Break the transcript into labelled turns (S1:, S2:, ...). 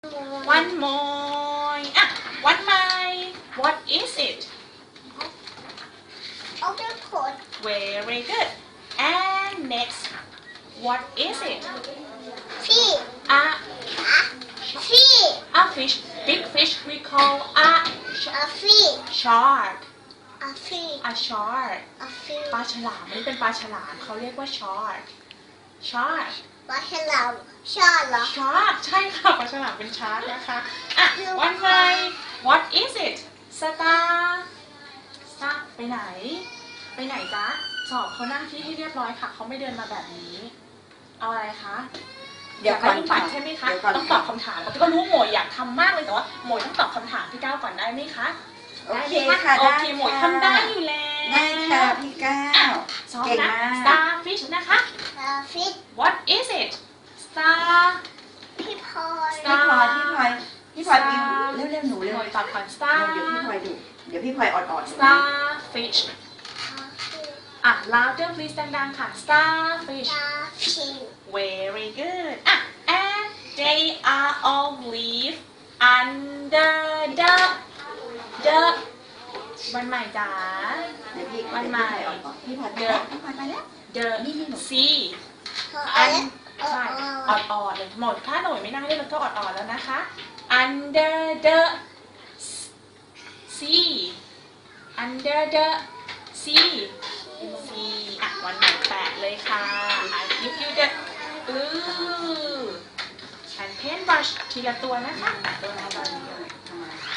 S1: one more อ่ะ one more what is it
S2: octopus
S1: very good and next what is it
S2: fish
S1: a
S2: fish
S1: a fish big fish we call a
S2: a fish
S1: shark
S2: a fish
S1: a shark
S2: a fish
S1: ปลาฉลามนี่เป็นปลาฉลามเขาเรียกว่า shark shark
S2: ปลาฉลามชอบเหรอ
S1: shark ใช่ค่ะปลาฉลามเป็น shark นะคะอ่ะ one more what is it star star ไปไหนไปไหนจ๊ะสอบเขานั่งที่ให้เรียบร้อยค่ะเขาไม่เดินมาแบบนี้เอาอะไรคะอยากได้ลูกปัดใช่ไหมคะต้องตอบคำถามก็รู้ว่าหมวยอยากทำมากเลยแต่ว่าหมวยต้องตอบคำถามพี่ก้าวก่อนได้ไหมคะ
S3: โอเคค่ะ
S1: โอ
S3: ได้
S1: เคหมวยทำได้อยู่แล้ว
S3: ได้ค่ะพี่ก้าว
S1: ซ้อม
S3: เก่ง
S1: นะ
S3: มาก
S1: starfish นะคะ
S2: a fish
S1: what is it star
S2: พี่พลอย
S3: พี่พลอยพิมพ์เร็วๆหนูเร็
S1: ห
S3: ว
S1: มวยตอบก่อน
S3: เดี๋
S1: star
S3: ยวพี่พลอยดูเดี๋ยวพี่พลอยอ่อนๆ
S1: starfish อ่ะ louder please ดังๆค่ะ starfish
S2: ปลาชิง
S1: very good อ่ะ and they are all live under the วันใหม่จ๋า
S3: เดี๋ยวพี่
S1: วันใหม่
S3: อ่อนๆพี่พลอยไปแล้วพี่พลอยไปแล้ว
S1: the
S3: นี่หนู
S1: sea
S2: อัน
S1: ใช่อ่อนๆเลยหมดถ้าหน่วยไม่นั่งได้มันก็อ่อนๆแล้วนะคะ under the sea under the sea sea อ่ะวันใหม่แปะเลยค่ะ I give you the and paintbrush ทีละตัวนะคะแปะตัวละตัว